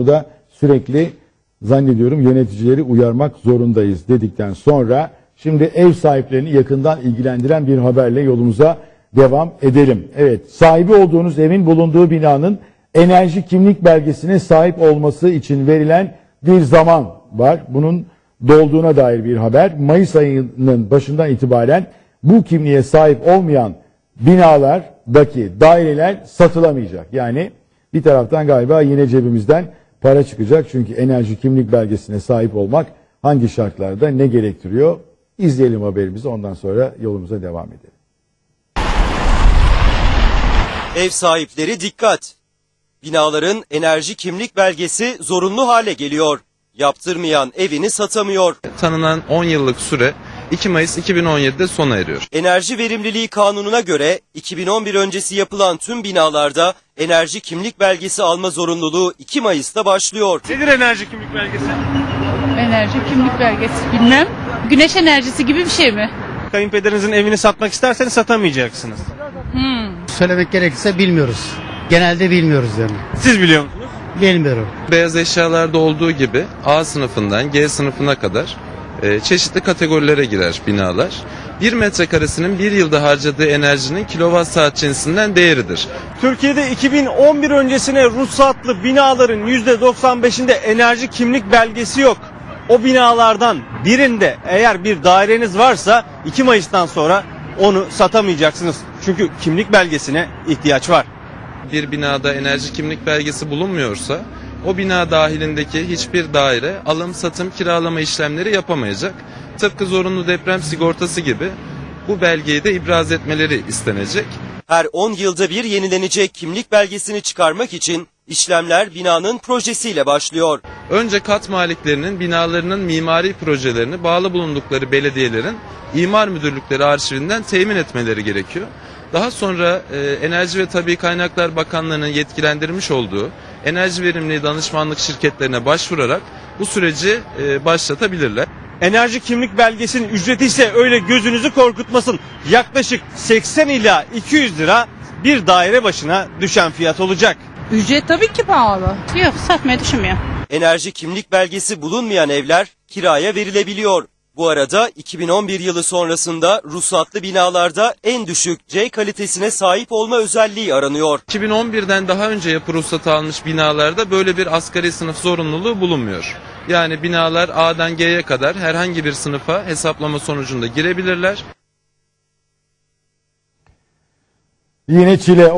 da sürekli zannediyorum yöneticileri uyarmak zorundayız dedikten sonra şimdi ev sahiplerini yakından ilgilendiren bir haberle yolumuza devam edelim. Evet, sahibi olduğunuz evin bulunduğu binanın enerji kimlik belgesine sahip olması için verilen bir zaman var. Bunun dolduğuna dair bir haber. Mayıs ayının başından itibaren bu kimliğe sahip olmayan binalardaki daireler satılamayacak. Yani bir taraftan galiba yine cebimizden para çıkacak. Çünkü enerji kimlik belgesine sahip olmak hangi şartlarda ne gerektiriyor? İzleyelim haberimizi, ondan sonra yolumuza devam edelim. Ev sahipleri dikkat! Binaların enerji kimlik belgesi zorunlu hale geliyor. Yaptırmayan evini satamıyor. Tanınan 10 yıllık süre 2 Mayıs 2017'de sona eriyor. Enerji Verimliliği Kanunu'na göre 2011 öncesi yapılan tüm binalarda enerji kimlik belgesi alma zorunluluğu 2 Mayıs'ta başlıyor. Nedir enerji kimlik belgesi? Enerji kimlik belgesi bilmem. Güneş enerjisi gibi bir şey mi? Kayınpederinizin evini satmak isterseniz satamayacaksınız. Söylemek gerekirse bilmiyoruz. Genelde bilmiyoruz yani. Siz biliyor musunuz? Bilmiyorum. Beyaz eşyalarda olduğu gibi A sınıfından G sınıfına kadar çeşitli kategorilere girer binalar. 1 metrekaresinin bir yılda harcadığı enerjinin kilowatt saat cinsinden değeridir. Türkiye'de 2011 öncesine ruhsatlı binaların %95'inde enerji kimlik belgesi yok. O binalardan birinde eğer bir daireniz varsa 2 Mayıs'tan sonra onu satamayacaksınız. Çünkü kimlik belgesine ihtiyaç var. Bir binada enerji kimlik belgesi bulunmuyorsa o bina dahilindeki hiçbir daire alım, satım, kiralama işlemleri yapamayacak. Tıpkı zorunlu deprem sigortası gibi bu belgeyi de ibraz etmeleri istenecek. Her 10 yılda bir yenilenecek kimlik belgesini çıkarmak için işlemler binanın projesiyle başlıyor. Önce kat maliklerinin binalarının mimari projelerini bağlı bulundukları belediyelerin imar müdürlükleri arşivinden temin etmeleri gerekiyor. Daha sonra Enerji ve Tabii Kaynaklar Bakanlığı'nın yetkilendirmiş olduğu enerji verimliliği danışmanlık şirketlerine başvurarak bu süreci başlatabilirler. Enerji kimlik belgesinin ücreti ise öyle gözünüzü korkutmasın. Yaklaşık 80 ila 200 lira bir daire başına düşen fiyat olacak. Ücret tabii ki pahalı. Yok, satmayı düşünmüyorum. Enerji kimlik belgesi bulunmayan evler kiraya verilebiliyor. Bu arada 2011 yılı sonrasında ruhsatlı binalarda en düşük C kalitesine sahip olma özelliği aranıyor. 2011'den daha önce yapı ruhsatı almış binalarda böyle bir asgari sınıf zorunluluğu bulunmuyor. Yani binalar A'dan G'ye kadar herhangi bir sınıfa hesaplama sonucunda girebilirler. Yine Çile